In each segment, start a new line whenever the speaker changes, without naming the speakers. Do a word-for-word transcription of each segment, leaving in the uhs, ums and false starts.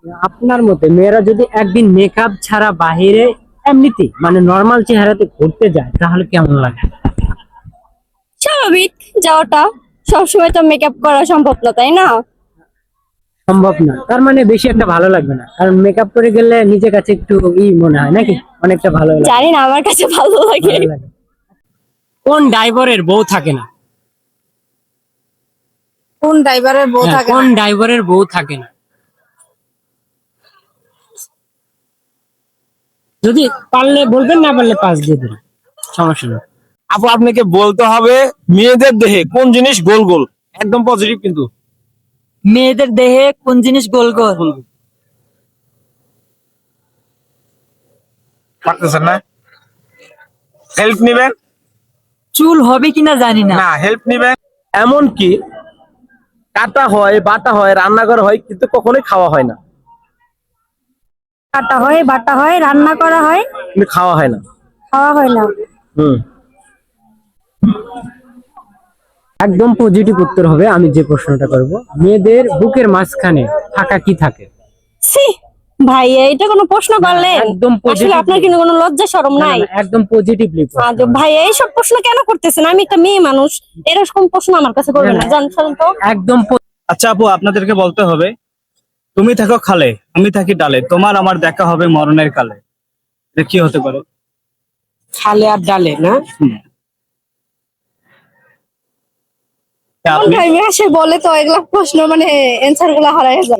আপনার মতে মেয়েরা যদি একদিন মেকআপ ছাড়া বাহিরে এমনিতে মানে নর্মাল চেহারাতে ঘুরতে যায় তাহলে কেমন লাগে?
স্বাভাবিক যাওয়াটা, সবসময় তো মেকআপ করা সম্ভব না, তাই না?
সম্ভব না, তার মানে বেশি একটা ভালো লাগবে না, কারণ মেকআপ করে গেলে নিজের কাছে একটু ই মনে হয় নাকি, অনেকটা ভালো লাগে।
জানি না, আমার কাছে ভালো লাগে।
ভালো লাগে। কোন ড্রাইভারের বউ থাকে না?
কোন ড্রাইভারের বউ
হ্যাঁ,
থাকে
কোন
না?
ড্রাইভারের বউ থাকে না? যদি পারলে বলবেন, না পারলে পাস দিয়ে দেবেন, সমস্যা নেই।
আপু আপনাকে বলতে হবে মেয়েদের দেহে কোন জিনিস গোল গোল, একদম পজিটিভ কিন্তু।
মেয়েদের দেহে কোন জিনিস গোল গোল?
পারতেছেন না? হেল্প নিবেন?
চুল হবে কিনা জানি না।
না, হেল্প নিবেন। এমন কি কাটা হয়, বাটা হয়, রান্না করা হয়, কিন্তু কখনোই খাওয়া হয় না।
কাটা হয়, বাটা হয়, রান্না করা হয়,
কিন্তু খাওয়া হয় না।
খাওয়া হয় না।
হুম।
একদম পজিটিভ উত্তর হবে আমি যে প্রশ্নটা করব। মেয়েদের বুকের মাঝখানে থাকা কি থাকে?
ছি, ভাই এটা কোনো প্রশ্ন করলেন?
একদম
আসলে
positive
আপনার কিন্তু কোনো লজ্জা শরম
না,
নাই?
না, একদম পজিটিভলি।
আজ ভাই এইসব প্রশ্ন কেন করতেছেন? আমি একটা মেয়ে মানুষ, এরকম প্রশ্ন আমার কাছে করবেন না, জান শুনুন তো।
একদম প-
আচ্ছা আপু, আপনাদেরকে বলতে হবে তুমি থাকো খালে, আমি থাকি ডালে, তোমার আমার দেখা হবে মরণের কালে। এটা কি হতে পারে?
খালে আর ডালে না?
তা
কোন
আপনি
ভাই আসে বলে তো এগুলা প্রশ্ন মানে অ্যানসার গুলা হারায় যায়।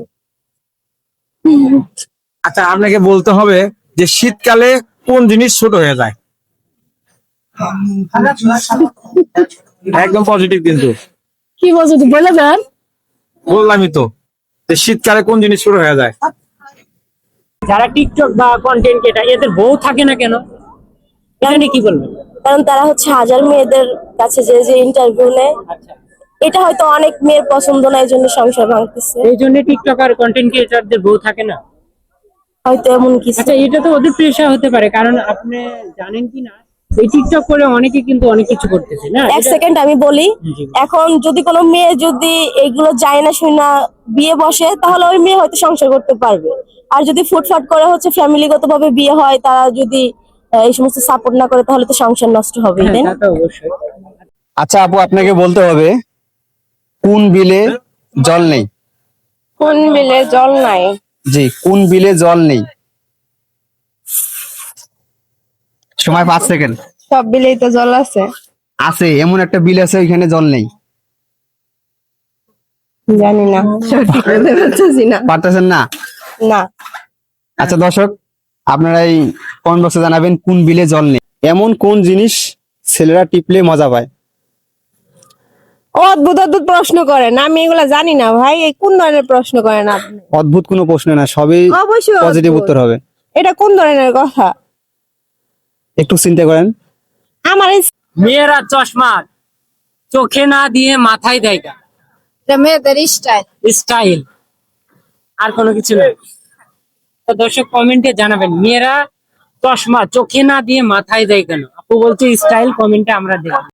আচ্ছা, আপনাকে বলতে হবে যে শীতকালে কোন জিনিস ছোট হয়ে যায়। একদম পজিটিভ কিন্তু।
কি বলছো তুই, বলে দেন।
বললামই তো যে শীতকালে কোন জিনিস ছোট হয়ে যায়।
যারা টিকটক বা কন্টেন্ট ক্রিয়েটর এদের বউ থাকে না কেন, এটা নিয়ে কি বলবেন?
কারণ তারা হচ্ছে হাজার মেয়েদের কাছে যে যে ইন্টারভিউ নেয়,
আচ্ছা,
এটা হয়তো অনেক মেয়ের পছন্দ না, এই জন্য সংসার ভাঙতেছে,
এই জন্য টিকটক আর কন্টেন্ট ক্রিয়েটরদের বউ থাকে না।
হয়তো এমন কিছু।
আচ্ছা, এটা তো ওদের প্রেশার হতে পারে, কারণ আপনি জানেন কি না, এই টিকটক করে অনেকে কিন্তু অনেক কিছু করতেছে না।
এক
এটা-
সেকেন্ড আমি বলি,
জি।
এখন যদি কোনো মেয়ে যদি এইগুলো যায় না শুই না বিয়ে বসে, তাহলে ওই মেয়ে হয়তো সংসার করতে পারবে। আর যদি ফুটফাট করে হচ্ছে ফ্যামিলিগত ভাবে বিয়ে হয়, তারা যদি আহ, এই সমস্ত সাপোর্ট না করে, তাহলে তো সংসার নষ্ট হবে,
হ্যাঁ,
তাই
তা
না?
তো অবশ্যই।
আচ্ছা আপু, আপনাকে বলতে হবে কোন বিলে জল নেই?
কোন বিলে জল নাই?
জি, কোন বিলে জল নেই? সময় পাঁচ সেকেন্ড।
সব বিলেই তো জল আছে।
আছে, এমন একটা বিল আছে ওইখানে জল নেই।
জানি না, সঠিক বলতে পারতেছি না।
পারতেছেন না?
না।
আচ্ছা দর্শক, আপনারা এই কমেন্ট বক্সে জানাবেন কোন বিলে জল নেই। এমন কোন জিনিস ছেলেরা টিপলে মজা পায়?
অদ্ভুত অদ্ভুত প্রশ্ন করেন, আমি এগুলা জানি না ভাই। এই কোন ধরনের প্রশ্ন করেন আপনি?
অদ্ভুত কোনো প্রশ্ন না, সবই
অবশ্যই
পজিটিভ
অদ্ভুত।
উত্তর হবে।
এটা কোন ধরনের কথা?
একটু চিন্তা করেন।
আমার এই
মেয়েরা চশমা চোখে না দিয়ে মাথায় দেয় কেন?
মেয়েদের স্টাইল।
স্টাইল, আর কোনো কিছু না। তো দর্শক কমেন্টে জানাবেন মেয়েরা চশমা চোখে না দিয়ে মাথায় দেয় কেন। আপু বলছে স্টাইল, কমেন্টে আমরা দেখি।